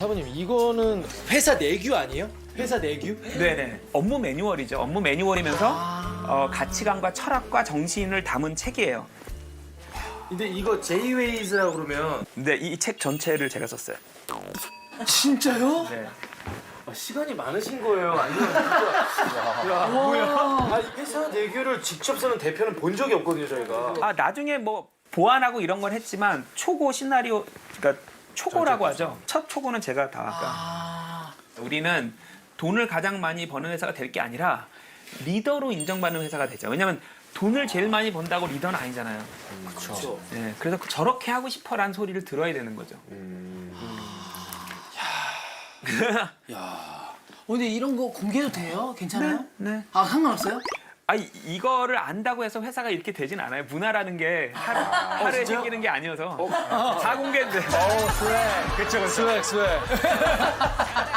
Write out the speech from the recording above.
사부님 이거는 회사 내규 아니에요? 회사 내규? 네네. 업무 매뉴얼이죠. 업무 매뉴얼이면서 가치관과 철학과 정신을 담은 책이에요. 근데 이거 J-Ways라고 그러면 근데 이 책 전체를 제가 썼어요. 진짜요? 네. 시간이 많으신 거예요? 아니면 진짜 야, 뭐야? 아니, 회사 내규를 직접 쓰는 대표는 본 적이 없거든요, 저희가. 아 나중에 뭐 보완하고 이런 건 했지만 초고 시나리오, 그러니까 초고라고 하죠. 첫 초고는 제가 다 아까. 우리는 돈을 가장 많이 버는 회사가 될 게 아니라 리더로 인정받는 회사가 되죠. 왜냐하면 돈을 제일 많이 번다고 리더는 아니잖아요. 그렇죠. 네, 그래서 저렇게 하고 싶어라는 소리를 들어야 되는 거죠. 근데 이런 거 공개도 돼요? 괜찮아요? 네. 아 상관없어요? 아 이거를 안다고 해서 회사가 이렇게 되진 않아요. 문화라는 게 하루에 생기는 게 아니어서 다 공개인데. 스웩. 그쵸. 스웩.